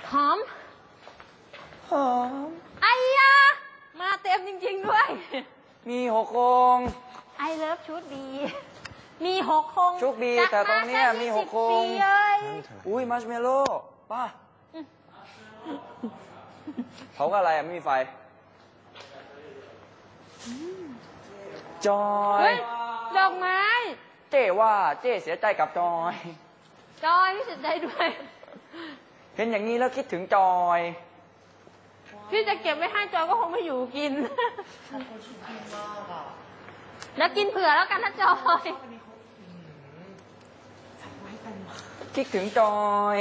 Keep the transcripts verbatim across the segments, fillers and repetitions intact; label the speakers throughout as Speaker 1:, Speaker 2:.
Speaker 1: หอม
Speaker 2: หอม
Speaker 1: ไอ้ยามาเต็มจริงๆด้วย
Speaker 2: มีหกโคง
Speaker 1: ไอเลิฟชุดดีมีหกโคง
Speaker 2: ชุดดีแต่ตรงนี้มีหกโคงอุ้ยมัชเมลโล่ป้าเขาก็อะไรอ่ะไม่มีไฟจอย
Speaker 1: ดอกไม้
Speaker 2: เจ๊ว่าเจ๊เสียใจกับจอย
Speaker 1: จอยพี่เสียใจด้วย
Speaker 2: เห็นอย่างนี้แล้วคิดถึงจอย
Speaker 1: พี่จะเก็บไว้ให้จอยก็คงไม่อยู่กินแล้วกินเผื่อแล้วกันนะจอย
Speaker 2: คิดถึงจอย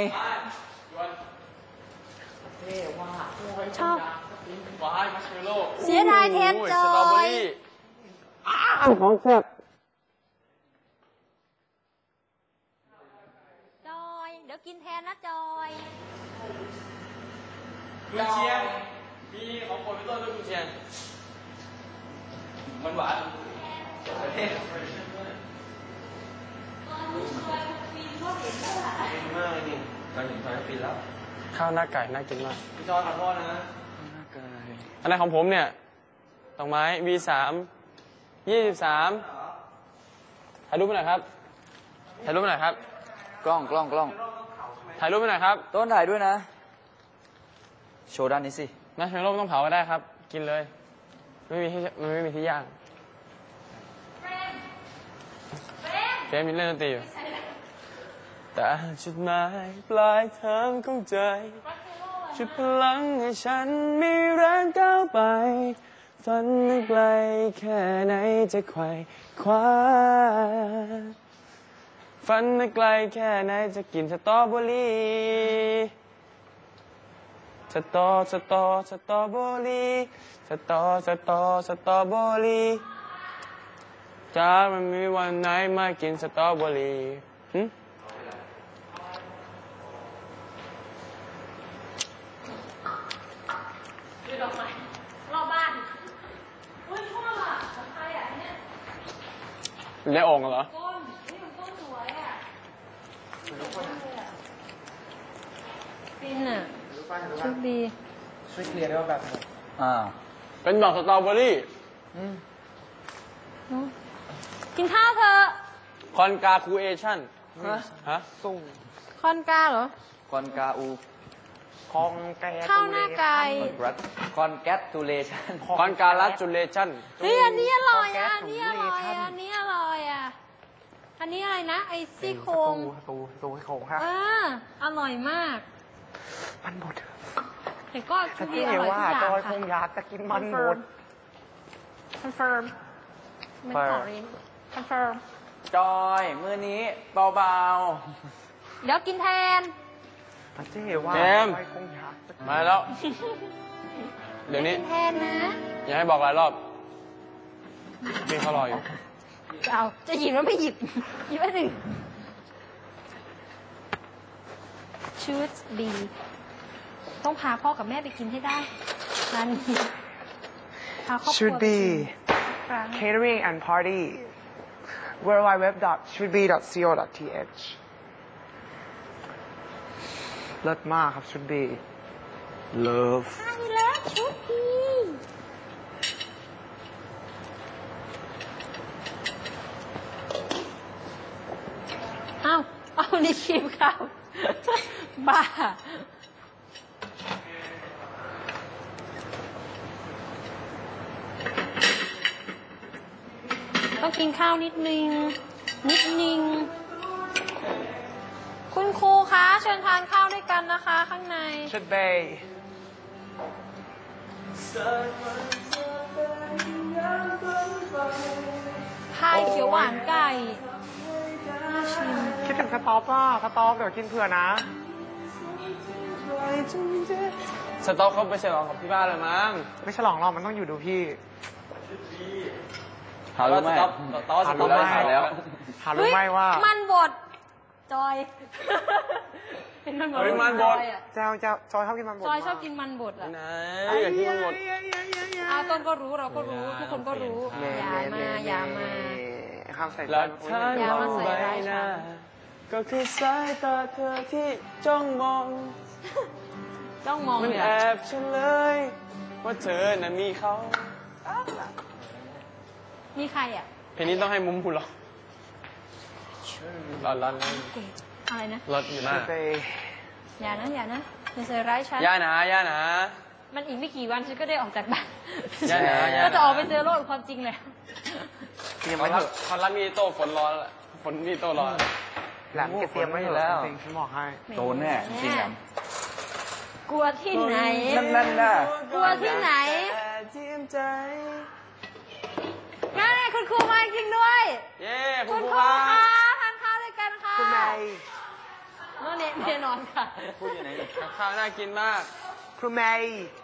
Speaker 1: ชอบเสียดายแทนจอย
Speaker 2: ของแซ่บ
Speaker 1: จอยเดี๋ยวกินแทนนะจอย
Speaker 3: กุนเชียงมีของโปรดเป็นต้นด้วยกุนเชียงมันหวานประเทศมากเลยนี่ตอนเห็นตอนก็ฟินแล้ว
Speaker 4: ข้าวหน้าไก่น่ากินมาก
Speaker 3: พี่จอยขอโทษนะ
Speaker 2: หน้าไก่
Speaker 4: อันนั้นของผมเนี่ยดอกไม้ วี สาม ยี่สิบสามถ่ายรูปไปหน่อยครับถ่ายรูปไปหน่อยครับ
Speaker 2: กล้องกล้องกล้อง
Speaker 4: ถ่ายรูปไปหน่อยครับ
Speaker 2: ต้นถ่ายด้วยนะโชว์ด้านนี้สิ
Speaker 4: มัชเมลโล่ไม่ต้องเผาก็ได้ครับกินเลยไม่มีที่มันไม่มีที่ย่างเฟรมมีเล่นดนตรีอยู่แต่จุดหมายปลายทางของใจจุดพลังให้ฉันมีแรงก้าวไปฝันนั้นไกลแค่ไหนจะไขว่คว้าฝันนั้นไกลแค่ไหนจะกินสตรอเบอรี่สตอสตอสตรอเบอรี่สตอสตอสตรอเบอรี่จ้ามันมีวันไหนมากินสตรอเบอรี่หึ
Speaker 1: ดูดอกไม้รอบบ้านอุ้ยชอบอ่ะของใครอ่ะเนี่ย
Speaker 4: ได้องค์เหรอ
Speaker 1: ก้นนี่มันก้นสวยอ่ะฟินอ่ะชุดดี
Speaker 3: ช่วยเคลียร์ได้ว่าแบบ
Speaker 2: อ่า
Speaker 4: เป็นดอกสตรอเบอรี่
Speaker 1: กินข้าวเถอะ
Speaker 4: คอนกาคูเอชั่นฮะ
Speaker 2: สุ่ง
Speaker 1: คอนกาเหรอ
Speaker 2: คอนกาอู
Speaker 4: คอนแก
Speaker 1: ข้าวหน้าไก่
Speaker 2: คอนแกตูเลชั่น
Speaker 4: คอนกาลัสจูเลชั่น
Speaker 1: เฮ้ยอันนี้อร่อยอ่ะอันนี้อร่อยอ่ะอันนี้อร่อยอ่ะอันนี้อะไรนะไอซี่โครง
Speaker 4: ตูตูซี่โครงค่ะ
Speaker 1: เอออร่อยมาก
Speaker 4: มันหมด
Speaker 1: แต่ก็ชุดนี้อร่อยทุกอย่างค่ะจอยคงอยากจะกินมันหมดคอนเฟิร์มไม่ขอริมคอนเฟิร์ม
Speaker 2: จอยมือนี้เบา
Speaker 1: ๆเดี๋ยวกินแทน
Speaker 4: เจ๊ว่าจอยคงอยากมาแล้วเดี๋ยวนี้
Speaker 1: กินแทนนะ
Speaker 4: อย่าให้บอกหลายรอบพี่เขารออยู่
Speaker 1: เอาจะหยิบแล้วไม่หยิบหยิบอันหนึ่งชุดดีต้องพาพ่อกับแม่ไปกินให้ได้ร้านนี้พาครอบครัว
Speaker 5: should be catering and party w w w dot should be dot co dot t h เลิศมากครับ should be
Speaker 4: love
Speaker 1: ใช่แล้วชุดดีเอาเอานี่ชิมข้าวบ้าต้องกินข้าวนิดนึงนิดนึงคุณครูคะเชิญทานข้าวด้วยกันนะคะข้างใน
Speaker 5: should be
Speaker 1: พายเขียวหวานไก่น่าชิม
Speaker 5: คิดถึงสต๊อปอ่ะสต๊อปเดี๋ยวกินเผื่อนะ
Speaker 4: สต๊อปเขาไปฉลองกับพี่บ้านเลยมั้ง
Speaker 5: ไม่ฉลองหรอกมันต้องอยู่ดูพี่
Speaker 2: หารู้ไหม
Speaker 4: ตอนสต๊อปไม่หาแล้ว
Speaker 5: หารู้ไหมว่า
Speaker 1: มันบดจอยเป็นมันบด
Speaker 4: มันบด
Speaker 5: เจ้าเจ้าจอยชอบกินมันบด
Speaker 1: จอยชอบกินมันบดอ่ะ
Speaker 4: ไหนอยากกินมันบด
Speaker 1: อาต้นก็รู้เราก็รู้ทุกคนก็รู้อย่ามาอย่ามา
Speaker 5: ข้ามใส่
Speaker 4: หลักฐานมองใบหน้าก็คือสายตาเธอที่จ้องมอง
Speaker 1: ต้องมอง
Speaker 4: มัน
Speaker 1: เลย
Speaker 4: แอบเฉลยว่าเธอน่ะมีเขา
Speaker 1: มีใครอ่ะ
Speaker 4: เพลงนี้ต้องให้มุมพูดหรอร้อนร้อนร้อน
Speaker 1: อะไรนะ
Speaker 4: รถอยู่หน้า
Speaker 5: ไป
Speaker 1: อย่านะอย่านะอย่าใส่ร้ายฉัน
Speaker 4: ย่าหนาย่าหนา
Speaker 1: มันอีกไม่กี่วันฉันก็ได้ออกจากบ้าน
Speaker 4: อย่านะอย่านะ
Speaker 1: ก็จะออกไปเจอโลกความจริงเลย
Speaker 5: เตรียม
Speaker 4: เขา
Speaker 5: ไว้เถ
Speaker 4: รับ
Speaker 5: อะ
Speaker 4: เขารับมีโต้ฝนร้อนแล้วฝนมีโต้ร้อน
Speaker 5: แหลมแกเตรียมไว้อยู่แล้วจริงๆฉันบอกให้
Speaker 2: โดนแน่จริงแหลม
Speaker 1: กลัวที่ไหน
Speaker 2: นั่นนั่นน่ะ
Speaker 1: กลัวที่ไหน
Speaker 4: ทีมใจ
Speaker 1: นั่นไงคุณครูมาจริงด้วย
Speaker 4: เย้คุ
Speaker 1: คุณ ณ
Speaker 4: ครู
Speaker 1: ครู
Speaker 4: ครั
Speaker 1: คะ
Speaker 4: บ
Speaker 1: ทานข้าวด้วยกันค่ะ
Speaker 5: คุณนาย
Speaker 1: โน่นเนี่ยเนี่ยนอนค่ะ
Speaker 2: พูดอยู่ไหน
Speaker 4: กับข้าวน่ากินมาก
Speaker 5: ครูเมย์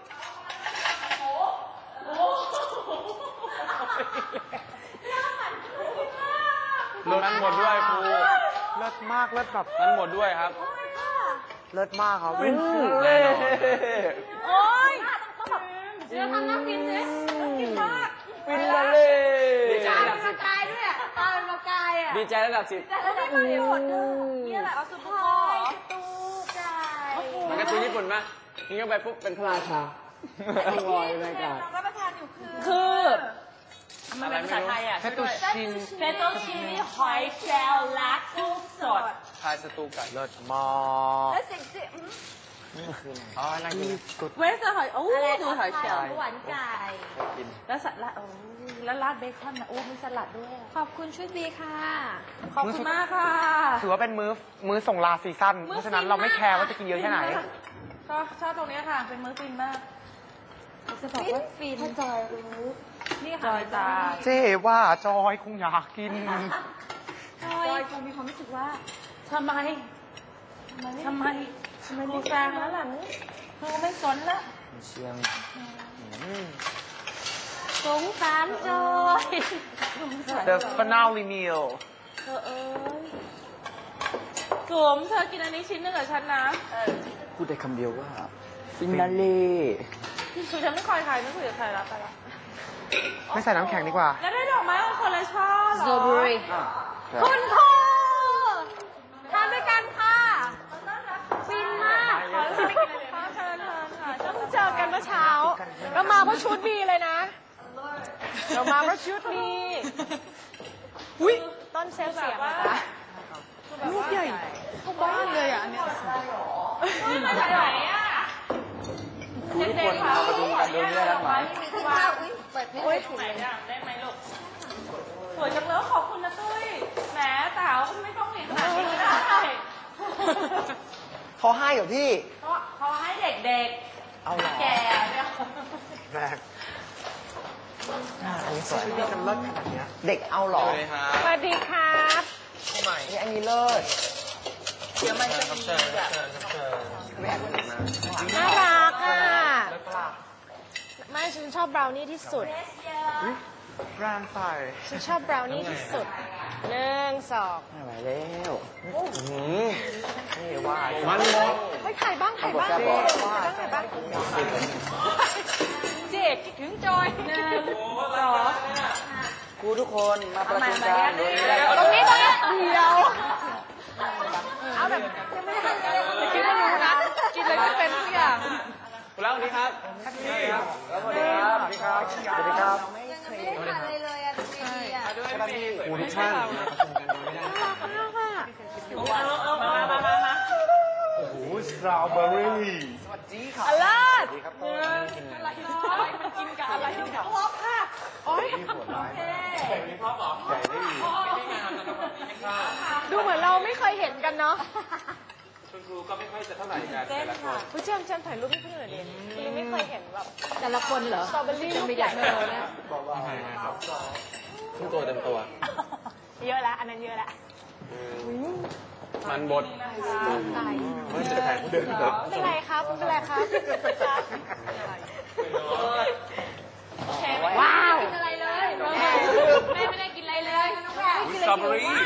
Speaker 4: รถมันหมดด้วยครู
Speaker 5: เลิศมากเลิศแบบ
Speaker 4: มันหมดด้วยครับ
Speaker 5: เลิศมากครับ
Speaker 4: แน่นอน
Speaker 1: โอ๊ยต้องแบบเดี๋ยวทำน้ำกินสิกินมาก
Speaker 4: ฟินละเลย
Speaker 1: ดีใจเป็นประกายด้วยอ่ะตาเป็นประกายอ่ะ
Speaker 4: ดีใจระดับสิบ
Speaker 1: แต่แล้วได้มาในบทนึงนี่แหละเอาสุดท้ายตู้ใจ
Speaker 4: มันการ์ตูนญี่ปุ่นปะนี่ก็ไปปุ๊บเป็นพระราชาลอยในอากาศ
Speaker 1: รับประทานอยู่คือคือมันเป็นภาษาไทยอ่ะ
Speaker 5: เฟตุชิน
Speaker 1: เฟโตชินีหอยแครงลักกุ้งสด
Speaker 4: ทายสตูไก่
Speaker 5: เลิศมาก
Speaker 1: แล้วสิ่งที่
Speaker 4: อ๋อน่ากิน
Speaker 1: เวสหอยโอ้ดูหอยแครงหวานไก่แล้วสลัดโอ้แล้วราดเบคอนนะโอ้มีสลัดด้วยขอบคุณชุดบีค่ะ ขอบคุณมากค่ะ
Speaker 5: ถือว่าเป็นมื้อมื้อส่งลาซีซั่นเพราะฉะนั้นเราไม่แคร์ว่าจะกินเยอะแค่ไหน
Speaker 1: ชอบชอบตรงนี้ค่ะ เป็นมื้อฟินมากจะบอกว่าฟินจอยรู้นี่ค่ะจอยตา
Speaker 5: เจ๊ว่าจอยคงอยากกิน
Speaker 1: จอยคงมีความรู้สึกว่าทำไมทำไมทำไมมีแฟนแล้วล่ะเธอไม่สนละ
Speaker 2: เชียง
Speaker 1: สงสารจอย
Speaker 5: The finale meal
Speaker 1: เธอเอ้ยสวมเธอกินอันนี้ชิ้นหนึ่งกับฉันนะ
Speaker 2: พูดได้คำเดียวว่าฟินาเล่
Speaker 1: คือฉันไม่คอยใครไม่คุยกับใครแล้วไปละ
Speaker 5: ไม่ใส่น้ำแข็งดีกว่า
Speaker 1: แล้วได้ดอกไม้เป็นคนละช่อเหรอ
Speaker 2: อ่ะ
Speaker 1: คุณครูทานด้วยกันค่ะฟินมากขอเชิญเชิญเชิญค่ะเพิ่งเจอกันเมื่อเช้าเรามาเพราะชุดบีเลยนะ เรามาเพราะชุดบีอุ้ยต้นเซลเสียงนะคะลูกใหญ่เข้าบ้านเลยอ่ะเนี่ยมาจากไหนอ่ะ
Speaker 2: ครูทุกคนมาประชุมกันโดยไม่ได้รับหมาย
Speaker 1: ว้าวเปิดไม่ได้ถึงเลยได้ไหมลูกสวยจังเลยขอบคุณนะตุ้ยแหมสาวไม่ต้องหนีขนาดนี้ก็ได้
Speaker 5: เขาให้เหรอพี่
Speaker 1: เขาเขาให้เด็ก
Speaker 5: เอาเหรอ
Speaker 1: ๆ แก่เนี่ย
Speaker 5: แรงอันนี้สวยพี่จะเลิศขนาดเนี้ยเด็กเอาเหรอ
Speaker 4: สวัสดีครับ
Speaker 1: สวัสดีครับ
Speaker 5: นี่อันนี้เลิศ
Speaker 1: เดี๋ยวมันจะ
Speaker 4: ครับเชิญครับเชิญครับเชิญ
Speaker 1: น่ารักอ่ะไม่ฉันชอบบราวนี่ที่สุด
Speaker 5: แรงใส่
Speaker 1: ฉันชอบบราวนี่ที่สุดหนึ่งสอง
Speaker 2: ไม่ไหวแล้ว
Speaker 4: หืม
Speaker 5: นี่ว่า
Speaker 4: มันหมด
Speaker 1: ไปถ่ายบ้างถ่ายบ้าง
Speaker 2: บอก
Speaker 1: ถ่ายบ้างถ่ายบ้างเจ๊คิดถึงจอยหนึ่งสอง
Speaker 2: ครูทุกคนมาประชุมกันโดยไม่ได้รับ
Speaker 1: ตรงนี้
Speaker 2: ห
Speaker 1: ตร
Speaker 2: มาง ย
Speaker 1: นี้เดียวเอาแบบยังไม่ทันเลยจะกินไม่รู้นะกินเลยไม่เป็นทุกอย่าง
Speaker 4: คุณแล้วสวัสดีครับ
Speaker 2: สวัสดีครับสวัสดีครับสวัสดีครับสวัสดีครับ
Speaker 1: ยังไม่ได้ทานอะไรเลยอ่ะดีอ่ะ
Speaker 4: ครูทุกท่านมาประชุมกันโดยไม่ได้รับหมาย
Speaker 1: มากค่ะ
Speaker 4: มามามามามา
Speaker 5: โอ้โหสตรอเบอรี่
Speaker 1: อลาด
Speaker 2: ครับ
Speaker 1: อะไรมันกินกับอะไรที่แบบพบค่ะโอ้ยดูเหมือนเราไม่เคยเห็นกันเนาะ
Speaker 4: คุณครูก็ไม่ค่อยจะเท่าไหร่กันแต่ละคน
Speaker 1: ผู้เชี่ยวชาญถ่ายรูปให้เพื่อนหน่อยดิยังไม่เคยเห็นแบบแต่ละคนเหรอสตรอเบอรี่ลูกใหญ่เลยนะ
Speaker 4: ขึ้นตัวเต็มตัว
Speaker 1: เยอะแล้วอันนั้นเยอะแล้ว
Speaker 4: มันบด
Speaker 1: ตาย
Speaker 4: ไม่จะถ่ายผู้เดินครับ
Speaker 1: ไม่เป็นไรครับไม่เป็นไรครับว้าวกินอะไรเลยแม่ไม่ได้กินอะไรเลยน้องแพร
Speaker 4: สตรอเบอรี่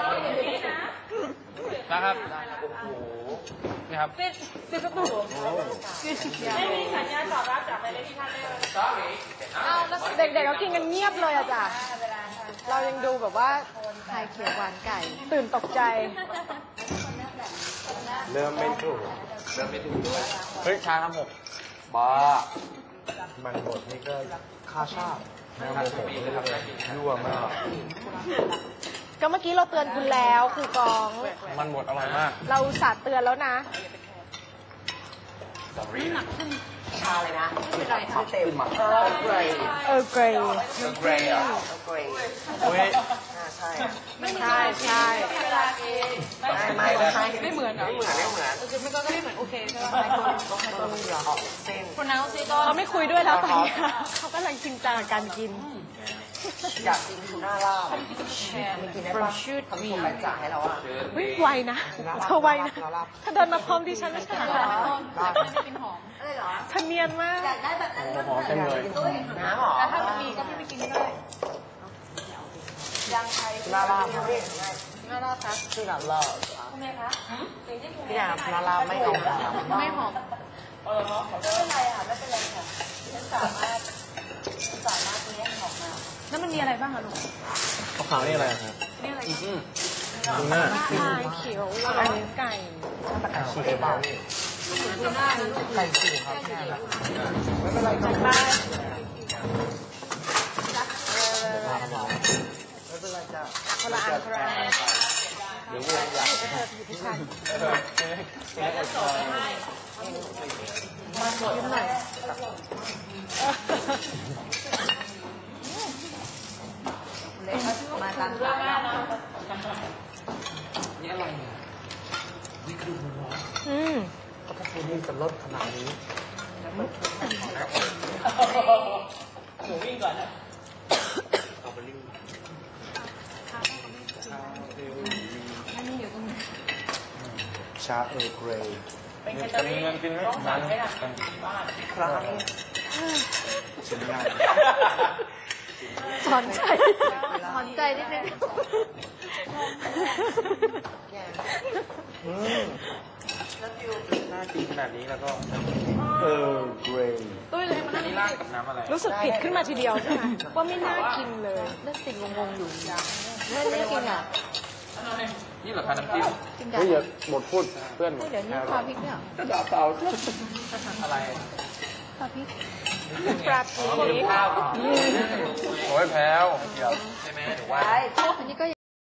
Speaker 4: นะครับนี่ครับ
Speaker 1: ปิดปิดประตูไม่มีสัญญาณตอบรับจากไปเลยที่ท่านเลยเอาแล้วเด็กๆก็กินกันเงียบเลยอะจ้ะเรายังดูแบบว่าไทยเขียวหวานไก่ ตื่นตกใจ
Speaker 2: ร
Speaker 3: เริ่มไม่ถูกเริ่มไม่ถูกด้วย
Speaker 4: เฮ้ยชาทำหก
Speaker 3: บ้ามันหมดนี่ก็ค่าชาติแม่โมโหเลยครับยั่วมาก
Speaker 1: ก็เมื่อกี้เราเตือนคุณแล้วคือกอง
Speaker 4: มันหมดอร่อยมาก
Speaker 1: เราอุตสาห์เตือนแล้วนะ
Speaker 5: ชาเลยนะไม่เป็นไรค่ะเต็มเออเกรย์
Speaker 1: เออเกรย์
Speaker 3: เกรย์อ่ะ
Speaker 5: เกรย์
Speaker 4: โอ้ย
Speaker 5: ใช่
Speaker 1: ไม่ใช่ใช่
Speaker 5: ไม่ไม่ไม่ใช่ไม่เหมือนไม่เหมือนไม่เหมือน
Speaker 1: ไม่ก็ไม่เหมือนโอเคใช่ไหม
Speaker 5: ต้องให้ตัวมันเหลือออกเส้น
Speaker 1: คนนั้นซีก็เขาไม่คุยด้วยแล้วตอนนี้เขากำลังจริงจังกับการกิน
Speaker 5: อยากกินทูน่าลาบไม่กินได้ปะทำส่งรายจ่ายให้เราอ่ะ
Speaker 1: วิไวนะเธอไวนะเธอเดินมาพร้อมดิฉันไม่ใช่เหรอ
Speaker 5: ไม่กินหอมอะไรเหรอ
Speaker 1: เธอเนียนมาก
Speaker 4: โอ้โหหอมเต็มเลย
Speaker 5: น้ำหรอ
Speaker 1: แต่ถ้ามีก็ไม่กินได้
Speaker 5: ทูน่าลาบพี่ทูน่าลาบครับทูน่าลาบทำไมคะพี่อยากทูน่าลาบไม่เอาหอม
Speaker 1: ไม่หอม แล้วมันมีอะไรบ้างอะลูก
Speaker 4: ขาวๆนี่อะไรครับ
Speaker 1: นี่อะไร
Speaker 4: อืมดูหน้า
Speaker 1: ชาเขียวอะไรไก่
Speaker 5: ไก่ฉีกเบา
Speaker 1: ดูหน้านะลูก
Speaker 5: ไก่ฉีกครับแม่ไม่เป็นไรครับ
Speaker 1: บ้าน
Speaker 5: ไม่เป็นไรจ้ะ
Speaker 1: คนละอันคนละอัน
Speaker 3: เดี๋ยววัวอยาก
Speaker 1: เธออยู่ที่ฉัน
Speaker 3: เออแม่อดทน
Speaker 1: ยิ้มหน่อยมาตามร้าน
Speaker 3: นี่อะไรเนี่ยนี่คือวัว
Speaker 1: อืม
Speaker 3: ก็ถ้าคุณนี่จะลดขนาดนี้หมูวิ่งก่อนนะเอาไปลิ่งชาเออร์เกรย์
Speaker 4: จะมีเงินกินไหมร้านนี้
Speaker 5: ครั้งนี้
Speaker 3: ชิ้นใหญ่
Speaker 1: สอนใจสอนใจนิดนึง
Speaker 3: อืมน่ากินขนาดนี้แล้วก็เออร์เกรย์
Speaker 1: ตุ้ยเลยมัน
Speaker 3: นี่ราดกับน้ำอะไร
Speaker 1: รู้สึกผิดขึ้นมาทีเดียวใช่ไหมว่าไม่น่ากินเลยนั่นติงงงๆอยู่ไม่ไม่กินอ่ะ
Speaker 3: นี่เหรอคะน้ำจิ้ม
Speaker 1: กินได้
Speaker 4: เฮ้ยอย่าหมดพูดเพื่อนหมด
Speaker 1: เดี๋ยวนี้ปลาพริกเนี่ย
Speaker 3: ดาบเต่าอะไร
Speaker 1: ปลาพริกปลาพริก
Speaker 3: ข้าว
Speaker 4: โอ้ยแพ้ว
Speaker 3: ใช่ไหมหรือว่า
Speaker 1: อันนี้ก็